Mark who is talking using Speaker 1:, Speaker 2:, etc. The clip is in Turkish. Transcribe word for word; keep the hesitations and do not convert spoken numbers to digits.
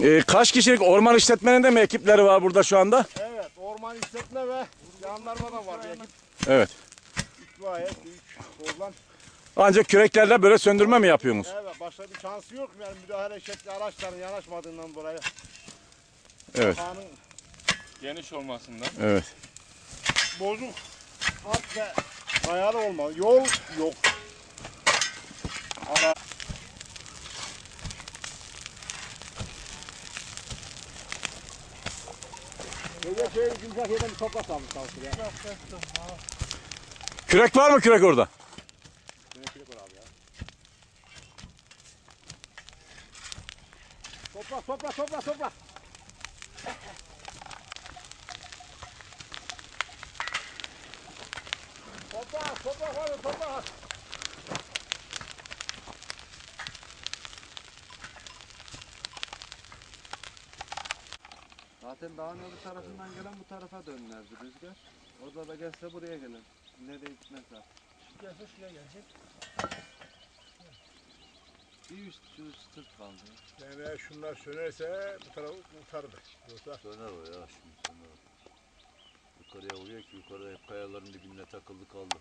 Speaker 1: Ee, kaç kişilik orman işletmeninde mi ekipleri var burada şu anda?
Speaker 2: Evet, orman işletme ve jandarma da var bir ekip.
Speaker 1: Evet.
Speaker 2: İtfaiye, büyük bozlan.
Speaker 1: Ancak küreklerle böyle söndürme mi yapıyorsunuz?
Speaker 2: Evet, başka bir şansı yok. Yani müdahale şekli araçların yanaşmadığından dolayı.
Speaker 1: Evet.
Speaker 2: Sahanın
Speaker 3: Geniş olmasından.
Speaker 1: Evet.
Speaker 2: bozuk, hat ve dayalı olmalı. Yol yok. Ara. Böyle şey yumuşak yerden bir toprak almış çalışır ya.
Speaker 1: Kürek var mı kürek orada?
Speaker 2: Toprak, toprak, toprak, toprak. Toprak, toprak var, toprak.
Speaker 4: Zaten dağın öbür tarafından gelen bu tarafa dönlerdi rüzgar. Orada da gelse buraya gelir. Nereye gitmez zaten.
Speaker 2: Gelse şuraya gelecek.
Speaker 4: Bir üst, şu üst sırt kaldı.
Speaker 2: Yani şunlar sönerse bu tarafı kurtardı. Yoksa
Speaker 5: Söner o ya şimdi söner o. Yukarıya vuruyor ki yukarıda hep kayaların dibine takıldı kaldı.